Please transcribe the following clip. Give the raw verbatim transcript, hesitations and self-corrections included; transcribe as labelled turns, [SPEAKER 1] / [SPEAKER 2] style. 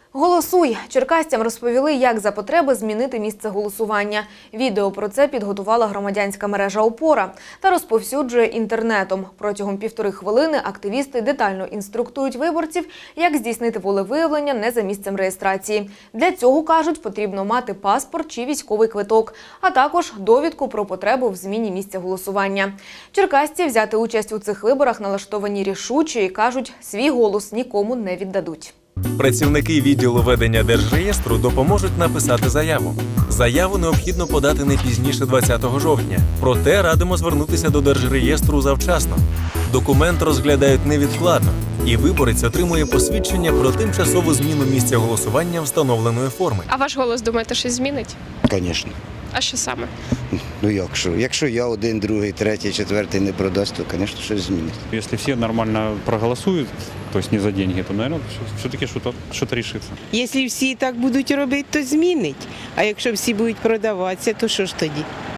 [SPEAKER 1] Голосуй! Черкасцям розповіли, як за потреби змінити місце голосування. Відео про це підготувала громадянська мережа «Опора» та розповсюджує інтернетом. Протягом півтори хвилини активісти детально інструктують виборців, як здійснити волевиявлення не за місцем реєстрації. Для цього, кажуть, потрібно мати паспорт чи військовий квиток, а також довідку про потребу в зміні місця голосування. Черкасці взяти участь у цих виборах налаштовані рішуче і, кажуть, свій голос нікому не віддадуть.
[SPEAKER 2] Працівники відділу ведення Держреєстру допоможуть написати заяву. Заяву необхідно подати не пізніше двадцятого жовтня. Проте радимо звернутися до Держреєстру завчасно. Документ розглядають невідкладно, і виборець отримує посвідчення про тимчасову зміну місця голосування встановленої форми.
[SPEAKER 3] А ваш голос, думаєте, щось змінить?
[SPEAKER 4] Звісно.
[SPEAKER 3] А що саме?
[SPEAKER 4] Ну як що? Якщо я один, другий, третій, четвертий не продасть, то, звісно, щось змінить.
[SPEAKER 5] Если все нормально проголосуют, то есть не за деньги, то, наверное, все-таки что-то что-то решится.
[SPEAKER 6] Якщо всі так будуть робити, то змінить. А якщо всі будуть продаватися, то що ж тоді?